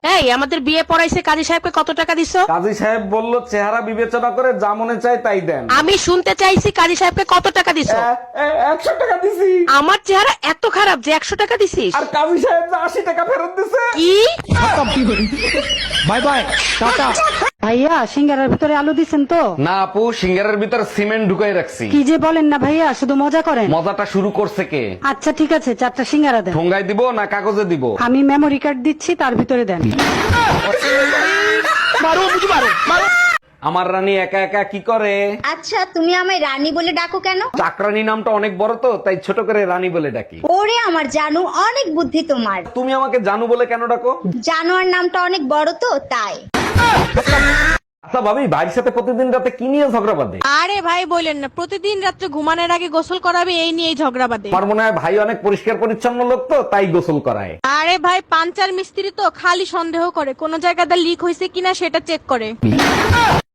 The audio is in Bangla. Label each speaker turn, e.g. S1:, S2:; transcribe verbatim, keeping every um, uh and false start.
S1: এই আমাদের বিয়ে পড়াইছে কাজী সাহেবকে কত টাকা দিছো?
S2: কাজী সাহেব বলল চেহারা বিবেচনা করে যা মনে চায় তাই দেন।
S1: আমি শুনতে চাইছি কাজী সাহেবকে কত টাকা দিছো?
S2: এ, এ, একশো টাকা দিছি।
S1: আমার চেহারা এত খারাপ যে একশো টাকা দিছিস?
S2: আর কাজী সাহেব যে আশি টাকা ফেরত দিছে।
S1: কি?
S2: বাই বাই, টাটা।
S3: ভাইয়া সিঙ্গারার ভিতরে আলু দিছেন তো?
S2: না আপু, সিঙ্গারের ভিতর সিমেন্ট ঢুকাই রাখছি।
S3: কি যে বলেন না ভাইয়া, শুধু মজা করেন।
S2: মজাটা শুরু করছে কে?
S3: আচ্ছা ঠিক আছে, চারটা সিঙ্গারা দেন।
S2: ঠোঙ্গায় দিব না কাগজে দিব?
S3: আমি মেমোরি কার্ড দিচ্ছি, তার ভিতরে দেন।
S2: আমার রানী একা একা কি করে?
S4: আচ্ছা তুমি আমায় রানী বলে ডাকো কেন?
S2: চাকরানী নামটা অনেক বড় তো, তাই ছোট করে রানী বলে ডাকি।
S4: ওরে আমার জানু, অনেক বুদ্ধি তোমার।
S2: তুমি আমাকে জানু বলে কেন ডাকো?
S4: জানোয়ার নামটা অনেক বড় তো তাই।
S2: আচ্ছা ভাবি, ভাইয়ের সাথে প্রতিদিন রাতে কি নিয়ে ঝগড়া বাঁধে?
S1: আরে ভাই বলেন না, প্রতিদিন রাত্রে ঘুমানোর আগে গোসল করাবে এই নিয়েই ঝগড়া বাঁধে।
S2: আমার মনে হয় ভাই অনেক পরিষ্কার পরিচ্ছন্ন লোক তো, তাই গোসল করায়।
S1: আরে ভাই পাঞ্চার মিস্ত্রি তো খালি সন্দেহ করে কোন জায়গাটা লিক হয়েছে কিনা সেটা চেক করে।